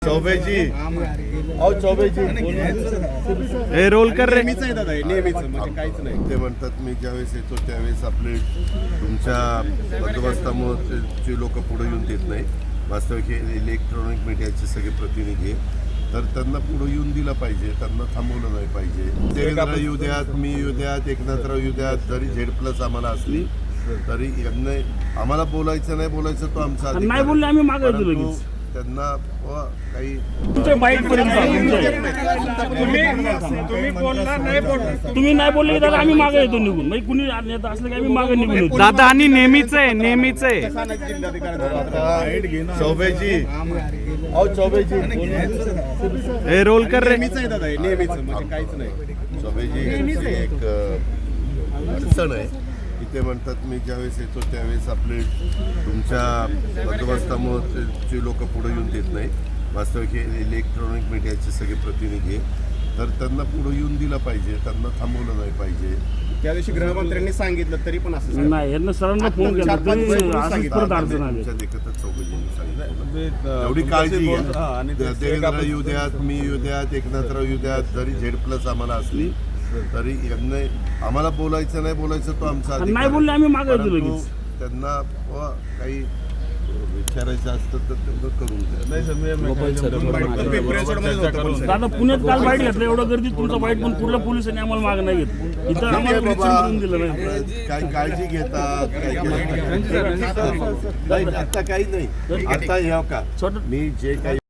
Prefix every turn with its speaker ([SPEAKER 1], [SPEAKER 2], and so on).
[SPEAKER 1] चौबे जी आओ चौबे जी
[SPEAKER 2] हे रोल कर रे.
[SPEAKER 3] नेहमीच आहे दादा हे, नेहमीच म्हणजे काहीच नाही.
[SPEAKER 1] ते म्हणतात मी ज्यावेळेस येतो त्यावेळेस आपले तुमच्या बंदोबस्तामुळे जे लोक पुढे येऊन देत नाही. वास्तविक हे इलेक्ट्रॉनिक मीडियाचे सगळे प्रतिनिधी आहेत, तर त्यांना पुढे येऊन दिलं पाहिजे, त्यांना थांबवलं नाही पाहिजे. देवेंद्र येऊ द्यात, मी येऊ द्यात, एकनाथराव येऊ द्यात, जरी Z+ आम्हाला असली तरी यांना आम्हाला बोलायचं नाही बोलायचं तो आमचा अधिकार
[SPEAKER 2] नाही बोलले आम्ही मागे येतो
[SPEAKER 1] परंतु
[SPEAKER 2] लगेच.
[SPEAKER 1] त्यांना काही
[SPEAKER 2] तुमच्या बाईट पर्यंत तुम्ही नाही बोलले तर आम्ही मागे येतो निघून. म्हणजे कुणी नेता असलं की आम्ही मागे निघून येतो.
[SPEAKER 4] दादा आणि नेहमीच आहे
[SPEAKER 1] चौबे जी आओ चौबे जी
[SPEAKER 4] हे रोल कर रे.
[SPEAKER 3] नेहमीच आहे दादा हे, नेहमीच म्हणजे काहीच नाही.
[SPEAKER 1] चौबे जी यांची एक अडचण आहे. ते म्हणतात मी ज्यावेळेस येतो त्यावेळेस आपले तुमच्या बंदोबस्तामुळे जे लोक पुढे येऊन देत नाही. वास्तविक हे इलेक्ट्रॉनिक मीडियाचे सगळे प्रतिनिधी आहेत, तर त्यांना पुढे येऊन दिलं पाहिजे, त्यांना थांबवलं नाही पाहिजे.
[SPEAKER 3] त्या दिवशी गृहमंत्र्यांनी सांगितलं तरी पण असं
[SPEAKER 2] नाही यांना सरांना फोन केला तरी असंच परत अडचण आली.
[SPEAKER 1] तुमच्या देखतच चौघजींनी सांगितलं एवढी काळजी घ्या. देवेंद्र येऊ द्यात, मी येऊ द्यात, एकनाथराव येऊ द्यात, जरी Z+ आम्हाला असली तरी यांना आम्हाला बोलायचं नाही बोलायचं तो आमचा अधिकार
[SPEAKER 2] नाही बोलले आम्ही मागे येतो
[SPEAKER 1] परंतु
[SPEAKER 2] लगेच.
[SPEAKER 1] त्यांना काही विचारायचं असतं तर तेवढं करून द्या.
[SPEAKER 2] दादा पुण्यात काल बाईट घेतलं, एवढं गर्दीत तुमचा बाईट पण कुठल्या पोलिसांनी आम्हाला मागे नाही घेतलं. इथं आम्हाला विचारून दिलं नाही.
[SPEAKER 1] काय काळजी घेतात नाही, आता काही नाही. आता हे का
[SPEAKER 2] छोटं
[SPEAKER 1] मी जे काही